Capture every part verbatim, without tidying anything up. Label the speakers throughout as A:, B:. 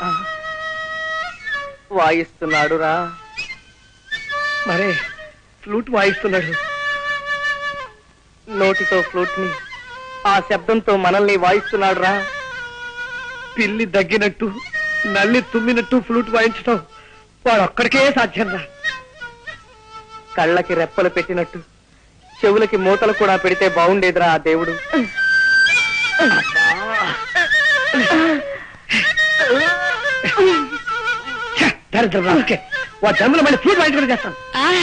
A: వాయిస్తున్నాడు రా.
B: మరే ఫ్లూట్ వాయిస్తున్నాడు.
A: నోటితో ఫ్లూట్ ని ఆ శబ్దంతో మనల్ని వాయిస్తున్నాడు రా.
B: పిల్లి దగ్గినట్టు నల్లి తుమ్మినట్టు ఫ్లూట్ వాయించటం వాడు ఒక్కడికే సాధ్యం రా.
A: కళ్ళకి రెప్పలు పెట్టినట్టు చెవులకి మూతలు కూడా పెడితే బాగుండేదిరా ఆ దేవుడు.
B: దరిద్రం ఓకే వాడు జన్మలో మళ్ళీ ఫ్లూట్ వాయించుకుని చేస్తాను.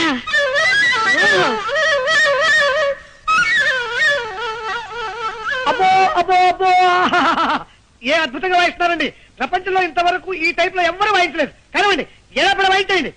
B: అబ్బో అబ్బో అబ్బో ఏ అద్భుతంగా వాయిస్తున్నారండి. ప్రపంచంలో ఇంతవరకు ఈ టైప్ లో ఎవరు వాయించలేదు. కనవండి ఏదప్పుడు వాయించండి.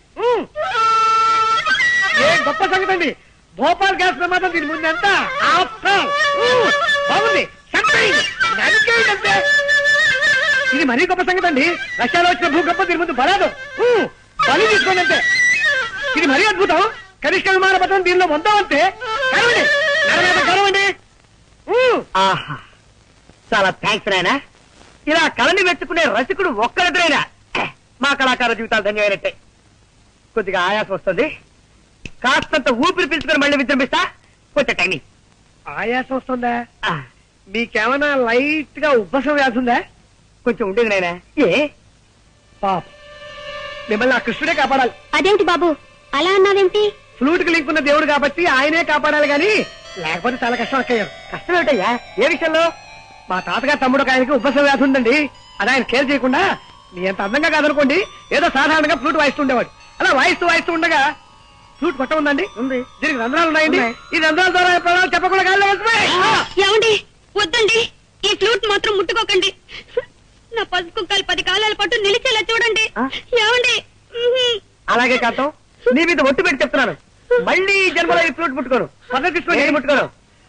B: ఏ గొప్ప సంగతి అండి. భోపాల్ గ్యాస్ ప్రమాదం దీని ముందు ఎంత బాగుంది. అంతే ఇది మరీ గొప్ప సంగతి అండి. రష్యాలో వచ్చిన భూకంపం దీని ముందు బలాదు. బలి తీసుకోండి అంతే. ఇది మరీ అద్భుతం. కనిష్ట విమాన పథకం దీనిలో మొత్తం అంతే. కనవండి కనవండి.
A: ఆహా చాలా థ్యాంక్స్ నాయనా. ఇలా కళని మెచ్చుకునే రసికుడు ఒక్కరిద్దరైనా మా కళాకార జీవితాలు ధన్యమైనట్టే. కొద్దిగా ఆయాసం వస్తుంది. కాస్తంత ఊపిరి పీల్చుకొని మళ్ళీ విజృంభిస్తా. కొంచెం టైం.
B: ఆయాసం వస్తుందా? మీకేమైనా లైట్ గా ఉబ్బసం వ్యాధి ఉందా?
A: కొంచెం ఉండేది నాయనా. ఏ
B: పాప మిమ్మల్ని ఆ కృష్ణుడే కాపాడాలి.
C: అదేమిటి బాబు అలా అన్నావేమిటి?
B: ఫ్లూట్ కి లింక్ ఉన్న దేవుడు కాబట్టి ఆయనే కాపాడాలి గాని లేకపోతే చాలా కష్టం అక్కయ్యారు.
A: కష్టం ఏమిటయ్యా? ఏ విషయంలో?
B: మా తాతగారు తమ్ముడు ఆయనకి ఉబ్బసం వ్యాధి ఉందండి. అది ఆయన కేర్ చేయకుండా మీ ఎంత అందంగా కాదనుకోండి ఏదో సాధారణంగా ఫ్లూట్ వాయిస్తుండేవాడు. అలా వాయిస్తూ వాయిస్తూ ఉండగా ఫ్లూట్ కొట్ట ఉందండి. ఉంది. దీనికి రంధ్రాలు ఉన్నాయండి. ఈ రంధ్రాల ద్వారా ప్రాణాలు చెప్పకుండా గాల్లో వెళ్తున్నాయి.
C: ఏమండి వద్దండి. ఈ ఫ్లూట్ మాత్రం ముట్టుకోకండి. నా పసుపు కుక్కలు పది కాలాల పాటు నిలిచేలా చూడండి. ఏమండి?
A: అలాగే కాంతం నీ మీద ఒట్టు పెట్టి చెప్తున్నాను. మళ్ళీ ఈ జన్మలో ఈ ఫ్లూట్ ముట్టుకోను. పక్కన తీసుకొని ముట్టుకోను.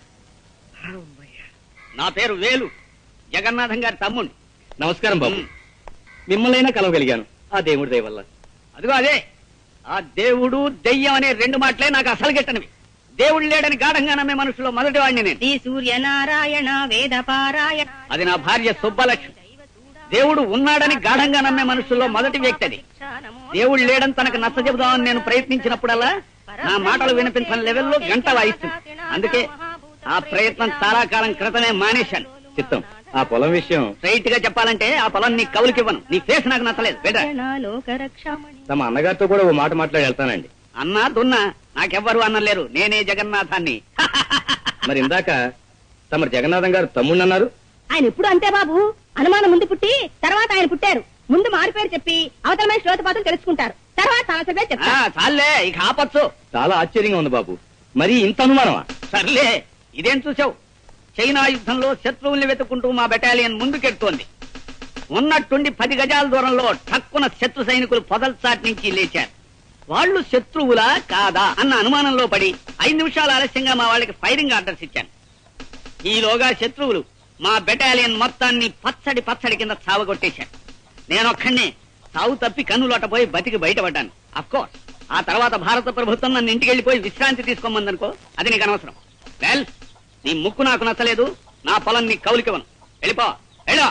D: నా పేరు వేలు, జగన్నాథం గారి తమ్ముడు.
E: నమస్కారం బాబు. మిమ్మల్నైనా కలవగలిగాను ఆ దేవుడి దయ వల్ల.
D: అదిగో అదే ఆ దేవుడు దెయ్యం అనే రెండు మాటలే నాకు అసలు గిట్టనివి. దేవుడు లేడని గాఢంగా నమ్మే మనుషులో మొదటి వాడిని నేను.
C: శ్రీ సూర్యనారాయణ వేద పారాయణ.
D: అది నా భార్య సుబ్బలక్ష్మి. దేవుడు ఉన్నాడని గాఢంగా నమ్మే మనుషుల్లో మొదటి వ్యక్తి అది. దేవుడు లేడని తనకు నచ్చ చెబుదామని నేను ప్రయత్నించినప్పుడల్లా నా మాటలు వినిపించని లెవెల్లో గంట వాయిస్తుంది. అందుకే ఆ ప్రయత్నం చాలా కాలం క్రితమే మానేశాను.
E: చిత్తం ఆ పొలం విషయం
D: స్ట్రైట్ గా చెప్పాలంటే ఆ పొలం నీ కవులకివ్వను. నీ ఫేస్ నాకు నచ్చలేదు.
E: తమ అన్నగారితో కూడా ఓ మాట మాట్లాడి వెళ్తానండి.
D: అన్నా దున్నా నాకెవ్వరు అన్నలేరు. నేనే జగన్నాథాన్ని.
E: మరి ఇందాక తమ జగన్నాథం గారు తమ్ముడు అన్నారు.
C: ఆయన ఎప్పుడు అంతే బాబు. అనుమానం ముందు పుట్టి తర్వాత ఆయన పుట్టారు. ముందు మారిపేరు చెప్పి అవతలమైన శ్రోతపాతం తెలుసుకుంటారు. తర్వాత సమస్య చెప్తారు.
D: చాలే ఇక ఆపచ్చు.
E: చాలా ఆశ్చర్యంగా ఉంది బాబు. మరి ఇంత అనుమానమా?
D: సర్లే ఇదేం చూసావు? చైనా యుద్ధంలో శత్రువుల్ని వెతుక్కుంటూ మా బెటాలియన్ ముందుకెడుతోంది. ఉన్నట్టుండి పది గజాల దూరంలో ఠక్కున శత్రు సైనికులు పొదల్చాటి నుంచి లేచారు. వాళ్ళు శత్రువులా కాదా అన్న అనుమానంలో పడి ఐదు నిమిషాలు ఆలస్యంగా మా వాళ్ళకి ఫైరింగ్ ఆర్డర్స్ ఇచ్చాను. ఈలోగా శత్రువులు మా బెటాలియన్ మొత్తాన్ని పచ్చడి పచ్చడి కింద చావగొట్టేశారు. నేనొక్కడినే సావు తప్పి కన్నులోటపోయి బతికి బయటపడ్డాను. అఫ్కోర్స్ ఆ తర్వాత భారత ప్రభుత్వం నన్ను ఇంటికి వెళ్లిపోయి విశ్రాంతి తీసుకోమందనుకో, అది నీకు అనవసరం. వెల్ నీ ముక్కు నాకు నచ్చలేదు. నా పొలం నీ కౌలికివ్వను. వెళ్ళిపో. వెళ్ళో.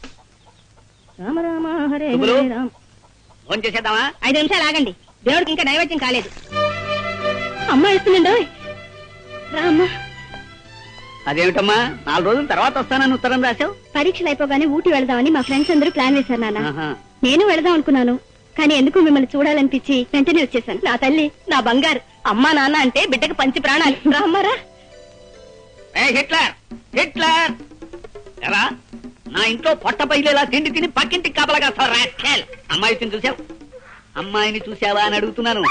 D: ఫోన్ చేసేద్దామా?
C: ఐదు నిమిషాలు ఆగండి. దేవుడికి ఇంకా నైవేద్యం కాలేదు. అమ్మ ఇస్తుందండి. రామ్మా.
D: అదేమిటమ్మా నాలుగు రోజుల తర్వాత వస్తానని ఉత్తరం రాశావు?
C: పరీక్షలు అయిపోగానే ఊటీ వెళదామని మా ఫ్రెండ్స్ అందరూ ప్లాన్ వేశారు నాన్న. నేను వెళదాం అనుకున్నాను కానీ ఎందుకు మిమ్మల్ని చూడాలనిపించి వెంటనే వచ్చేసాను. నా తల్లి నా బంగారు. అమ్మా నాన్న అంటే బిడ్డకు పంచి ప్రాణాలు. రామ్మారా.
D: హిట్లర్ హిట్లర్ ఎలా నా ఇంట్లో పొట్ట పైలేలా తిండి తిని పక్కింటికి కాపలాగా రాస్కెల్. అమ్మాయిని చూసావు? అమ్మాయిని చూసావా అని అడుగుతున్నాను.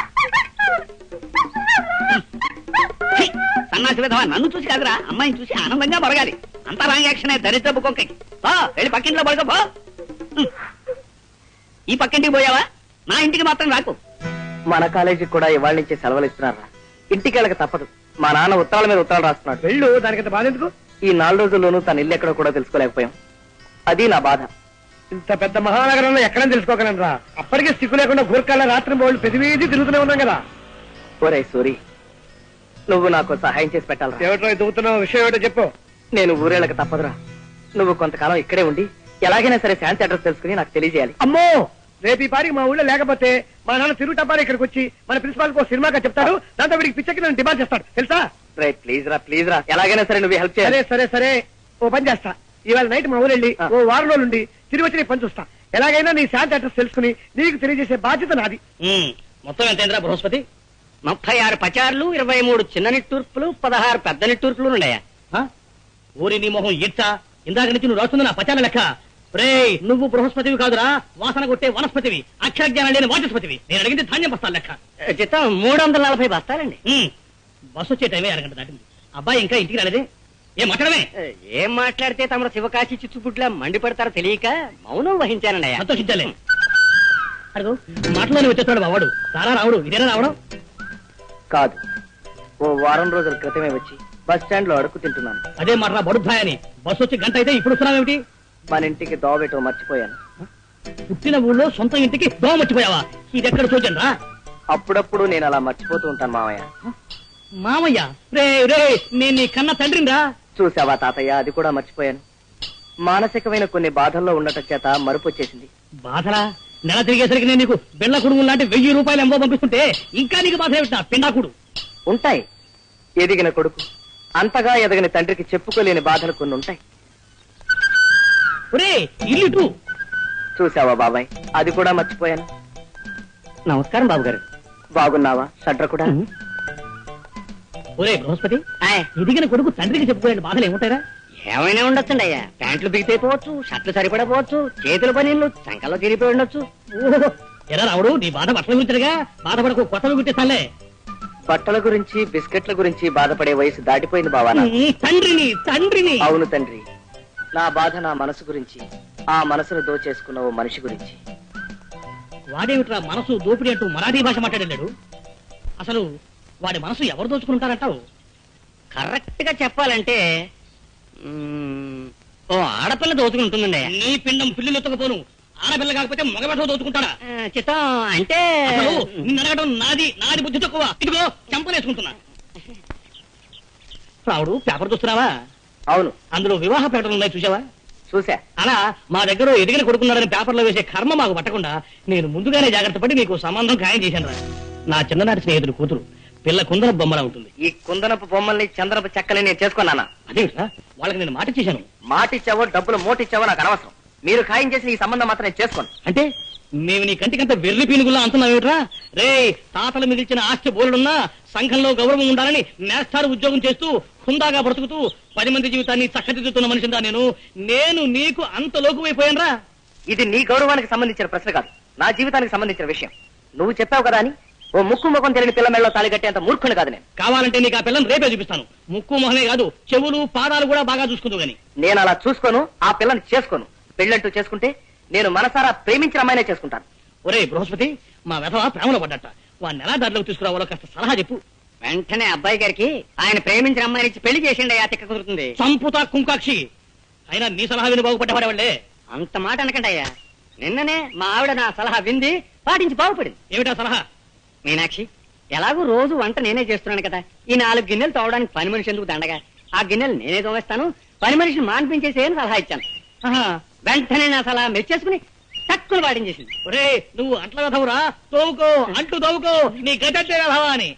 D: సన్నాసి విధవా నన్ను చూసి కాదురా అమ్మాయిని చూసి ఆనందంగా బొరగాలి. అంతా రాంగ్ యాక్షన్. దరిద్రపు కొంకకి పో. వెళ్ళి పక్కింట్లో పడుకో పో. ఈ పక్కింటికి పోయావా? నా ఇంటికి మాత్రం రాకు.
A: మన కాలేజీకి కూడా ఇవాళ నుంచి సెలవులు ఇస్తున్నారా? ఇంటికి వెళ్ళక తప్పదు. మా నాన్న ఉత్తరాల మీద ఉత్తరాలు రాస్తున్నాడు.
B: వెళ్ళు. దానికంత బాధ ఎందుకు?
A: ఈ నాలుగు రోజుల్లోనూ తన ఇల్లు ఎక్కడో కూడా తెలుసుకోలేకపోయాం. అది నా బాధ.
B: ఇంత పెద్ద మహానగరంలో ఎక్కడని తెలుసుకోగలను రా. అప్పటికే సిగ్గు లేకుండా గూర్ఖాల రాత్రి బోళ్ళు పెదివీది తిరుగుతూనే ఉన్నాం కదా.
A: ఒరే సూరి, నువ్వు నాకు సహాయం చేసి పెట్టాలరా.
B: ఏమిటో దిగుతున్న విషయం ఏమిటో చెప్పు.
A: నేను ఊరేళ్ళకి తప్పదురా. నువ్వు కొంతకాలం ఇక్కడే ఉండి ఎలాగైనా సరే శాంతి అడ్రస్ తెలుసుకుని నాకు తెలియజేయాలి.
B: అమ్మో రేపు ఈ పారికి మా ఊళ్ళో లేకపోతే మా నాన్న తిరుగుటప్పారి ఇక్కడికి వచ్చి మన ప్రిన్సిపాల్ కో సినిమాగా చెప్తాడు. దాంతో వీడికి పిచ్చెక్కి నన్ను డిమాండ్ చేస్తాడు తెలుసా.
A: రే ప్లీజ్ రా ప్లీజ్ రా ఎలాగైనా సరే నువ్వు హెల్ప్ చేయాలి.
B: సరే సరే సరే ఓ పని చేస్తా. ఇవాళ నైట్ మా ఊరు వెళ్ళి ఓ వారం రోజులు ఉండి తిరిగి వచ్చి నీ పని చూస్తా. ఎలాగైనా నీ శాంతి అడ్రస్ తెలుసుకుని నీకు తెలియజేసే బాధ్యత నాది.
E: మొత్తం ఎంతైందిరా బృహస్పతి?
D: ముప్పై ఆరు పచార్లు, ఇరవై మూడు చిన్న నిట్టూర్పులు, పదహారు పెద్ద నిట్టూర్పులు ఉన్నాయా?
E: ఆ? ఊరి నీ మొహం ఇచ్చా ఇందాక నుంచి నువ్వు రాస్తుంది నా పచాల లెక్క. రే నువ్వు బృహస్పతివి కాదురా, వాసన కొట్టే వనస్పతివి, అక్షర జ్ఞానం లేని వాచస్పతివి. నేను అడిగింది ధాన్యం బస్తాల లెక్క.
D: చిత్తం మూడు వందల నలభై బస్తాలండి.
E: ఉమ్, బస్సు వచ్చే టైమే అరగంట దాటింది. అబ్బాయి ఇంకా ఇంటికి రాలేదే? ఏం మాట్లాడమే?
D: ఏం మాట్లాడితే తమ శివకాశి చిచ్చుపుట్లా మండిపడతారో తెలియక మౌనం వహించానండి అయ్యా.
E: సంతోషించాలే. అడుగు మాటలోనే వచ్చేస్తాడు బావాడు. రారా రావుడు, ఇదేనా రావడం?
A: కాదు, ఓ వారం రోజుల క్రితమే వచ్చి బస్ స్టాండ్ లో అడుగు తింటున్నాను.
E: అదే మాట బడుద్దాయని బస్సు వచ్చి గంట అయితే ఇప్పుడు వస్తున్నావేమిటి?
A: మన ఇంటికి దోబెట్టో మర్చిపోయాను.
E: పుట్టిన ఊళ్ళో సొంత ఇంటికి దోమ మర్చిపోయావా? ఇది ఎక్కడ చూచాను రా.
A: అప్పుడప్పుడు నేను అలా మర్చిపోతూ ఉంటాను మామయ్య.
E: మామయ్య రే రే నేను నీ కన్న తండ్రిని రా.
A: చూసావా తాతయ్య, అది కూడా మర్చిపోయాను. మానసికమైన కొన్ని బాధల్లో ఉండటం చేత మరుపు వచ్చేసింది.
E: బాధలా? నెల తిరిగేసరికి నేను నీకు బిళ్ళ కుడుము లాంటి వెయ్యి రూపాయలు ఎంబో పంపిస్తుంటే ఇంకా నీకు బాధ ఏమిటా పిండాకుడు?
A: ఉంటాయి, ఎదిగిన కొడుకు అంతగా ఎదగని తండ్రికి చెప్పుకోలేని బాధలు కొన్ని ఉంటాయి.
E: ఒరే ఇల్లు
A: చూసావా బాబాయ్, అది కూడా మర్చిపోయాను.
D: నమస్కారం బాబు గారు.
A: బాగున్నావా షడ్ర కూడా?
E: ఒరే బృహస్పతి, ఎదిగిన కొడుకు తండ్రికి చెప్పుకోలేని బాధలు ఏముంటారా?
D: ఏమైనా ఉండొచ్చండి అయ్యా. ప్యాంట్లు బిగితైపోవచ్చు, షర్ట్లు సరిపడపోవచ్చు, చేతుల పనీళ్ళు చంకల్లో తిరిగిపోయి ఉండొచ్చు.
E: ఓహో, ఎలా రావుడు నీ బాధ బట్టల గురించగా? బాధపడకు, కొత్తవి గుర్తిస్తానులే.
A: బట్టల గురించి బిస్కెట్ల గురించి బాధపడే వయసు దాటిపోయింది బావా.
E: తండ్రిని తండ్రిని
A: అవును తండ్రి, నా బాధ నా మనసు గురించి, ఆ మనసును దోచేసుకున్న ఓ మనిషి గురించి.
E: వాడేమిట్రా మనసు దోపిడి అంటూ మరాఠీ భాష మాట్లాడాడు? అసలు వాడి మనసు ఎవరు దోచుకుంటారంటావు?
D: కరెక్ట్ గా చెప్పాలంటే మ్మ్, ఓ ఆడపిల్ల దోచుకుంటుందండి.
E: నీ పిండం పిల్లులు ఎత్తకపోను. ఆడపిల్ల కాకపోతే మగబెట్ట దోచుకుంటాడా?
D: ఆ, చిత్తం అంటే
E: అసలు నిన్ను అడగడం నాది నాది బుద్ధి తక్కువ. ఇదిగో చంపలేసుకుంటున్నా. రావుడు పేపర్ చూస్తున్నావా?
A: అవును
E: అందులో వివాహ ప్రకటనలు ఉన్నాయి, చూసావా?
A: చూసా.
E: అలా మా దగ్గర ఎదిగిన కొడుకున్నాడని పేపర్లో వేసే కర్మ మాకు పట్టకుండా నేను ముందుగానే జాగ్రత్త పడి నీకు సంబంధం ఖాయం చేశాను రా. నా చిన్ననాటి స్నేహితుడు కూతురు, పిల్ల కుందన బొమ్మలా ఉంటుంది.
A: ఈ కుందనపు బొమ్మల్ని చంద్రపు చెక్కని నేను చేసుకున్నానా?
E: అదే వాళ్ళకి నేను మాట ఇచ్చేశాను.
A: మాటిచ్చావో డబ్బులు మోటిచ్చావో నాకు అనవసరం. మీరు ఖాయం చేసిన ఈ సంబంధం మాత్రం నేను చేసుకోను.
E: అంటే మేము నీ కంటికంత వెర్రి పీనుగుల్లా అంటున్నావేమిట్రా? రే తాతలు మిగిల్చిన ఆస్తి బోలుడున్నా సంఘంలో గౌరవం ఉండాలని నేస్తాడు ఉద్యోగం చేస్తూ హుందాగా బ్రతుకుతూ పది మంది జీవితాన్ని చక్కదిద్దుతున్న మనిషిందా నేను. నేను నీకు అంత లోకువైపోయాను రా.
A: ఇది నీ గౌరవానికి సంబంధించిన ప్రశ్న కాదు, నా జీవితానికి సంబంధించిన విషయం. నువ్వు చెప్పావు కదా అని ఓ ముక్కు ముఖం తెలియని పిల్ల మెళ్ళలో తాళి కట్టేంత మూర్ఖుని కాదు నేను.
E: కావాలంటే నీకు ఆ పిల్లని రేపే చూపిస్తాను. ముక్కు మొహమే కాదు, చెవులు పాదాలు కూడా బాగా చూసుకుందు గాని.
A: నేను అలా చూసుకోను, ఆ పిల్లని చేసుకోను. పెళ్ళంటూ చేసుకుంటే నేను మనసారా ప్రేమించిన అమ్మాయినే చేసుకుంటాను.
E: ఒరే బృహస్పతి, మా వెధవ ప్రేమలో పడ్డట. వాడిని ఎలా దారిలోకి తీసుకురావాలో కాస్త సలహా చెప్పు.
D: వెంటనే అబ్బాయి గారికి ఆయన ప్రేమించిన అమ్మాయిని ఇచ్చి పెళ్లి చేసిండి అయ్యా. తిక్క కుదురుతుంది.
E: సంపుతా కుంకాక్షి. అయినా నీ సలహా విని బాగుపడ్డవాడే.
D: అంత మాట అనకండి అయ్యా. నిన్ననే మా ఆవిడ నా సలహా వింది, పాటించి బాగుపడింది.
E: ఏమిటా సలహా?
D: మీనాక్షి, ఎలాగూ రోజు వంట నేనే చేస్తున్నాను కదా, ఈ నాలుగు గిన్నెలు తోవడానికి పని మనిషి ఎందుకు దండగా, ఆ గిన్నెలు నేనే తోవేస్తాను, పని మనిషిని మాన్పించేసి అని సలహా ఇచ్చాను.
E: ఆహా,
D: వెంటనే నా సలహా మెచ్చేసుకుని తక్కువ పాటించేసింది.
E: ఒరే నువ్వు అంట్ల వెధవురా, తోవుకో అంటూ తోవుకో, నీ గతంటే వెధవా అని.